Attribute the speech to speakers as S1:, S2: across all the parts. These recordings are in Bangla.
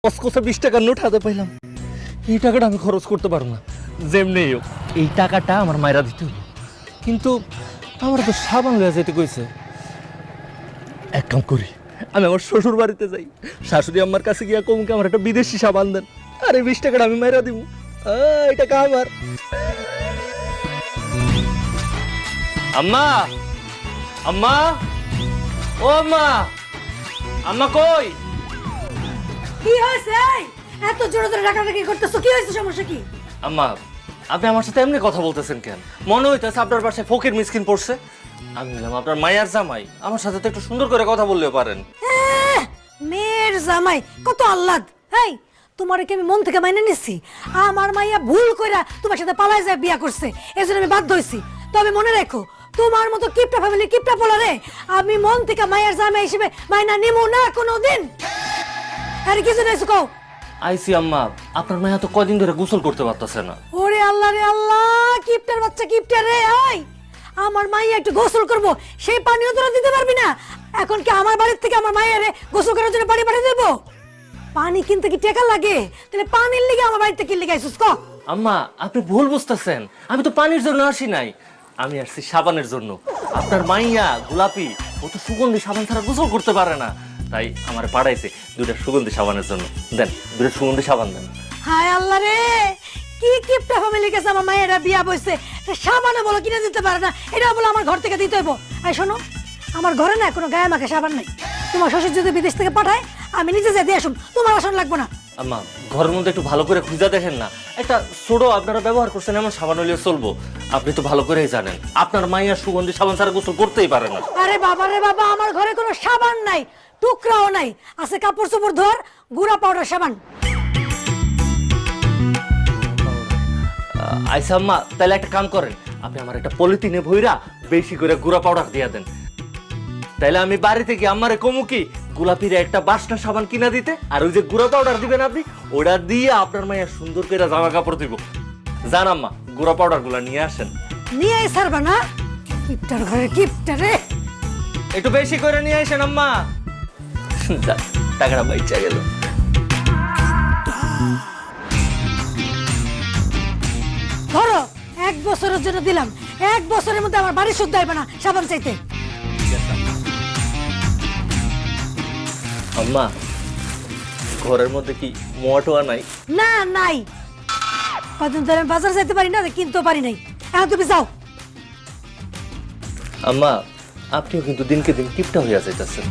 S1: কসকসে 20 টাকার নোট হাতে পাইলাম। এই টাকাটা আমি খরচ করতে পারবো না, যেমনি হোক এই টাকাটা আমার মায়েরা দিতে হলো। কিন্তু আমার তো সাবান লইয়া যেতে কইছে। এক কাম করি, আমি আমার শ্বশুর বাড়িতে যাই, শাশুড়ি আমার কাছে গিয়া কমকে আমার একটা বিদেশি সাবান দেন, আর এই 20 টাকাটা আমি মায়েরা দিব। এই টাকা আমার। আম্মা, আম্মা, ও আম্মা, আম্মা কই?
S2: কি হয়েছে? এত জোরে জোরে ডাকাডাকি করতেছো, কি হয়েছে? সমস্যা কি?
S1: আম্মা, আপনি আমার সাথে এমনি কথা বলতেছেন কেন? মনে হইতেছে আপনার বাসায় ফকির মিসকিন পড়ছে। আমি বললাম আপনার মায়ের জামাই, আমার সাথে তো একটু সুন্দর করে কথা বললেও পারেন।
S2: মেয়ের জামাই কত আহ্লাদ। হেই, তোমারে কি আমি মন থেকে মাইনে নিছি? আমার মাইয়া ভুল কইরা তোমার সাথে পালায় যায় বিয়া করছে, এজন্য আমি বাধ্য হইছি। তবে মনে রাখো, তোমার মতো কিপটা ফ্যামিলি কিপটা পোলারে আমি মন থেকে মায়ের জামাই হিসেবে মাইনা নিমু না কোনোদিন। আরে কিছু নাই কও।
S1: আইসি আম্মা, আপনার মায়া তো কদিন ধরে গোসল করতে পারতেছে না।
S2: ওরে আল্লাহ রে আল্লাহ, কিপটার বাচ্চা কিপটা রে। আই, আমার মাইয়া একটু গোসল করব, সেই পানিও তোরা দিতে পারবি না। এখন কি আমার বাড়ির থেকে আমার মায়ের গোসল করার জন্য পানি পাঠিয়ে দেবো? পানি কিনতে কি টাকা লাগে? তাহলে পানির লিগে আমার বাড়িতে কি লিগে আইছিস ক?
S1: আম্মা, আপনি ভুল বুঝতেছেন, আমি তো পানির জন্য আসি নাই, আমি আসছি সাবানের জন্য। আপনার মাইয়া গোলাপি, ও তো সুগন্ধি সাবান ছাড়া গোসল করতে পারে না, তাই আমার পাঠাইছে দুইটা সুগন্ধি সাবানের জন্য। দেন, দুইটা সুগন্ধি সাবান দেন।
S2: হায় আল্লাহ রে, কি কিপটা ফ্যামিলির কাছে আমার মায়েরা বিয়া বসছে, সাবানে বলো কিনে দিতে পারে না, এটা বলো আমার ঘর থেকে দিতে হইব। এই শোনো, আমার ঘরে না কোনো গায়ে মাখা সাবান নাই। তোমার শ্বশুর যদি বিদেশ থেকে পাঠায়, আমি নিজে যাই দিয়ে আসুন, তোমার আসন লাগবো না।
S1: আম্মা, ঘরের মধ্যে একটু ভালো করে খুঁজা দেখেন না, একটা ছোট আপনারা ব্যবহার করছেন এমন সাবান হলেও চলবো। আপনি তো ভালো করেই জানেন আপনার মাইয়া সুগন্ধি সাবান ছাড়া গোসল করতেই পারে না।
S2: আরে বাবা রে বাবা, আমার ঘরে কোনো সাবান নাই, টুকরাও নাই, আছে কাপড় চোপড় ধোয়ার গুঁড়া পাউডার সাবান।
S1: আইসা আম্মা, তাহলে একটা কাম করেন, আপনি আমার একটা পলিথিনে ভইরা বেশি করে গুঁড়া পাউডার দিয়া দেন। তাইলে আমি বাড়িতে গিয়ে আমারে কমু কি গোলাপির একটা বাসনা সাবান কিনা দিতে, আর ওই যে গুঁড়া পাউডার দিবেন আপনি, ওটা দিয়ে আপনার মাইয়া সুন্দর করে জামা কাপড় দিব। জান আম্মা, গুঁড়া পাউডার গুলা নিয়ে আসেন।
S2: নিয়ে সারবা না? কিপটার ঘরে কিপটা রে।
S1: একটু বেশি করে নিয়ে আসেন আম্মা। যাক, টাকাটা বাইচা গেল।
S2: ধরো, 1 বছরের জন্য দিলাম, 1 বছরের মধ্যে আমার বাড়ি শুদ্ধ হইবে না সাবান চাইতে।
S1: আম্মা, ঘরের মধ্যে কি মোয়াটোয়া নাই?
S2: না, নাই। কদিন ধরে আমি বাজার যাইতে পারি না, কিনতেও পারি নাই। এখন তুমি যাও।
S1: আম্মা, আপনিও কিন্তু দিনকে দিন কিপটা হইয়া যাইতেছেন।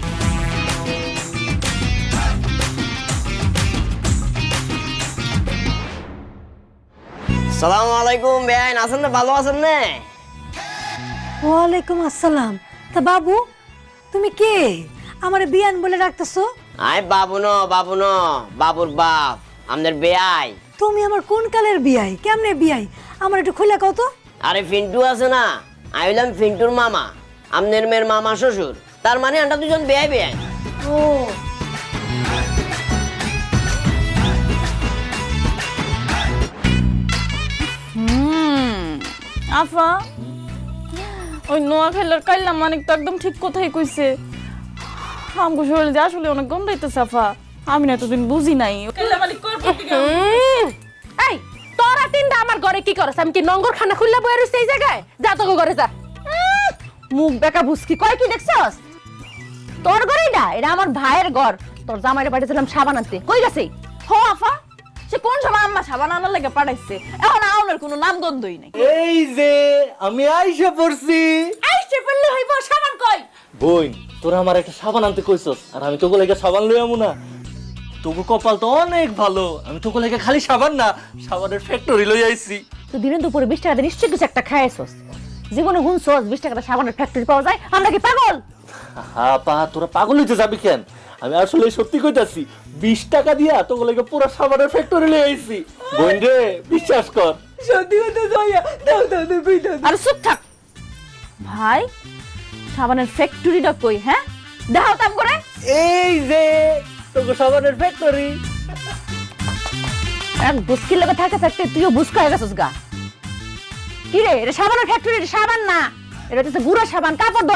S3: সালামু আলাইকুম বেআইন, আছেন না? ভালো আছেন না?
S2: ওয়ালাইকুম আসসালাম। তা বাবু, তুমি কে? আমার বিয়ান বলে ডাকতেছো?
S3: আই বাবু ন, বাবু ন, বাবুর বাপ, আমাদের বেআই।
S2: তুমি আমার কোন কালের বিয়াই? কেমনে বিয়াই? আমার একটু খুলে কও তো।
S3: আরে ফিন্টু আছে না, আমি হইলাম ফিন্টুর মামা, আমাদের মেয়ের মামা শ্বশুর, তার মানে আমরা দুজন বেআই বেআই।
S2: ও,
S4: আফা, ওই নোয়াখালীর কাইল্লা মানিক তো একদম ঠিক কথাই কইছে। আমগো শরীরে যে আসলে অনেক গন্ধাইতেছে আফা, আমি না এতদিন বুঝি নাই। কাইল্লা মানিক কর
S5: এই তোরা তিনটা আমার ঘরে কি করছ? আমি কি নঙ্গর খানা খুললা বইয়া রইছি এই জায়গায়? যা তোকে ঘরে যা। মুখ বেকা বুঝকি কয় কি দেখছস? তোর ঘরেই না, এটা আমার ভাইয়ের ঘর। তোর জামাইরে পাঠিয়েছিলাম সাবান আনতে, কই গেছে?
S4: হো আফা, সে কোন সময় আম্মা সাবান আনার লাগে পাঠাইছে, এখন আউনের কোনো নাম গন্ধই নাই।
S1: এই যে আমি আইসা পড়ছি।
S4: আইছে বললে হইব, সাবান কই?
S1: বোন, তোরা আমার একটা সাবান আনতে কইছস, আর আমি তোকে লেগে সাবান লই আমু না? তোকে কপাল তো অনেক ভালো, আমি তোকে লেগে খালি সাবান না, সাবানের ফ্যাক্টরি লই আইছি।
S5: তুই দিনের দুপুরে 20 টাকা দিয়ে নিশ্চয়ই কিছু একটা খাইছস। জীবনে হুনছস 20 টাকা সাবানের ফ্যাক্টরি পাওয়া যায়? আমরা কি পাগল?
S1: হ্যাঁ পা, তোরা পাগল হইতে যাবি কেন? আমি আসলে সত্যি কইতাছি, 20 টাকা দিয়া তোকে লেগে পুরো সাবানের ফ্যাক্টরি লই আইছি। বোন রে, বিশ্বাস কর।
S2: সত্যি কথা জয়া, দাও দাও দাও কই দাও।
S4: আরে চুপ থাক ভাই, সাবানের ফ্যাক্টরিটা কই? হ্যাঁ, দেখাও তাম করে।
S1: এই যে তোকে সাবানের ফ্যাক্টরি।
S5: এক বুস্কির লগে থাকতে থাকতে তুইও বুস্ক হয়ে গেছস গা। কি রে, এটা সাবানের ফ্যাক্টরি? সাবান না, এটা হচ্ছে গুঁড়া সাবান, কাপড়